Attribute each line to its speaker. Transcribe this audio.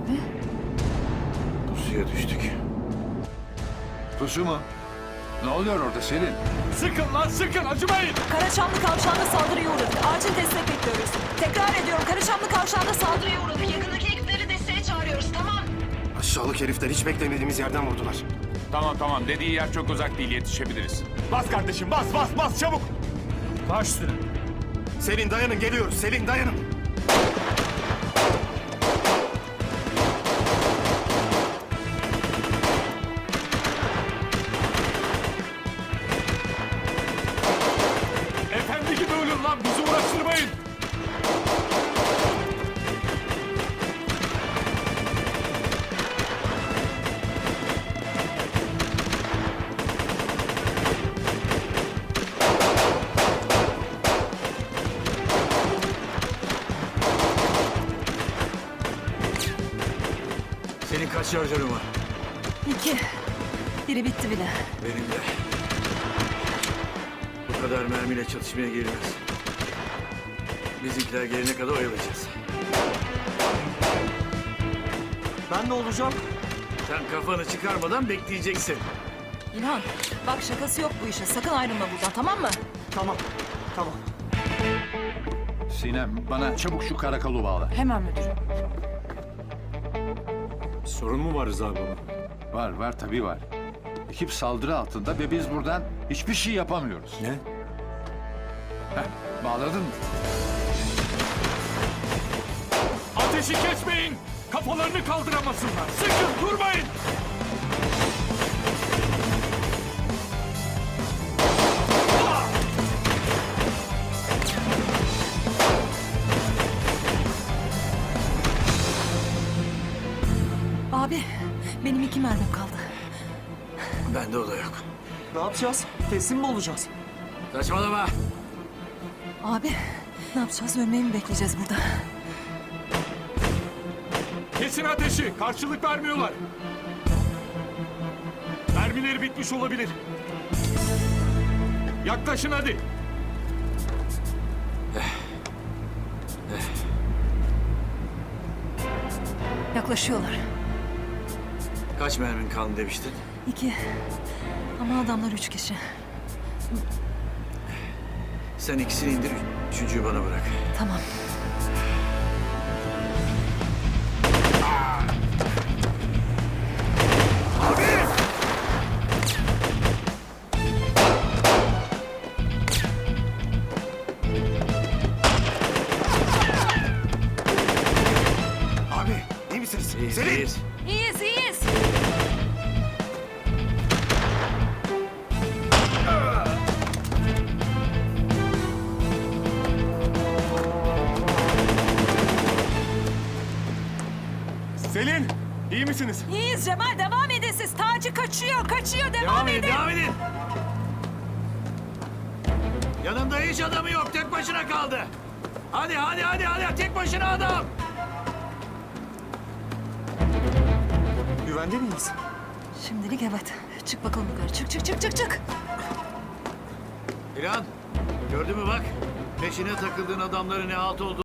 Speaker 1: Abi.
Speaker 2: Pusuya düştük.
Speaker 3: Pusu mu? Ne oluyor orada Selin?
Speaker 4: Sıkın lan sıkın, acımayın.
Speaker 1: Karaçamlı kavşağında saldırıya uğradık. Acil destek bekliyoruz. Tekrar ediyorum, Karaçamlı kavşağında saldırıya uğradık. Yakındaki ekipleri desteğe çağırıyoruz, tamam?
Speaker 2: Aşağılık herifler hiç beklemediğimiz yerden vurdular.
Speaker 4: Tamam, dediği yer çok uzak değil, yetişebiliriz. Bas kardeşim, bas çabuk. Baş üstüne.
Speaker 2: Selin dayanın, geliyoruz. Selin dayanın.
Speaker 4: Efendi gibi ölün lan, bizi uğraştırmayın.
Speaker 5: Senin kaç şarjörün var?
Speaker 1: 2. Biri bitti bile.
Speaker 5: Benim de. Bu kadar mermiyle çatışmaya girilmez. Bizimkiler gelene kadar oyalayacağız.
Speaker 2: Ben ne olacağım?
Speaker 5: Sen kafanı çıkarmadan bekleyeceksin.
Speaker 1: İlhan, bak şakası yok bu işin. Sakın ayrılma buradan, tamam mı?
Speaker 2: Tamam.
Speaker 3: Sinem bana çabuk şu karakolu bağla.
Speaker 1: Hemen müdürüm.
Speaker 5: Sorun mu var Rıza baba?
Speaker 3: Var tabii var. Ekip saldırı altında ve biz buradan hiçbir şey yapamıyoruz.
Speaker 5: Ne?
Speaker 3: Heh, bağladın mı?
Speaker 4: Ateşi kesmeyin. Kafalarını kaldıramasınlar. Sıkın, durmayın.
Speaker 1: Abi, benim 2 mermim kaldı.
Speaker 5: Bende o da yok.
Speaker 2: Ne yapacağız? Teslim mi olacağız?
Speaker 5: Saçmalama.
Speaker 1: Abi, ne yapacağız? Ölmeyi mi bekleyeceğiz burada?
Speaker 4: Kesin ateşi. Karşılık vermiyorlar. Mermileri bitmiş olabilir. Yaklaşın hadi.
Speaker 1: Yaklaşıyorlar.
Speaker 5: Kaç mermin kaldı demiştin?
Speaker 1: 2. Ama adamlar 3 kişi.
Speaker 5: Sen ikisini indir, üçüncüyü bana bırak.
Speaker 1: Tamam.
Speaker 2: Abi, iyi misiniz? Selin!
Speaker 5: İyiyiz.
Speaker 1: İyiyiz.
Speaker 4: Selin, iyi misiniz?
Speaker 1: İyiyiz Cemal, devam edin siz. Taci kaçıyor, devam edin.
Speaker 5: Devam edin. Yanında hiç adamı yok, tek başına kaldı. Hadi, tek başına adam.
Speaker 2: Güvende miyiz?
Speaker 1: Şimdilik evet. Çık bakalım yukarı. Çık.
Speaker 5: İlhan, gördün mü bak? Peşine takıldığın adamların ne halt oldu.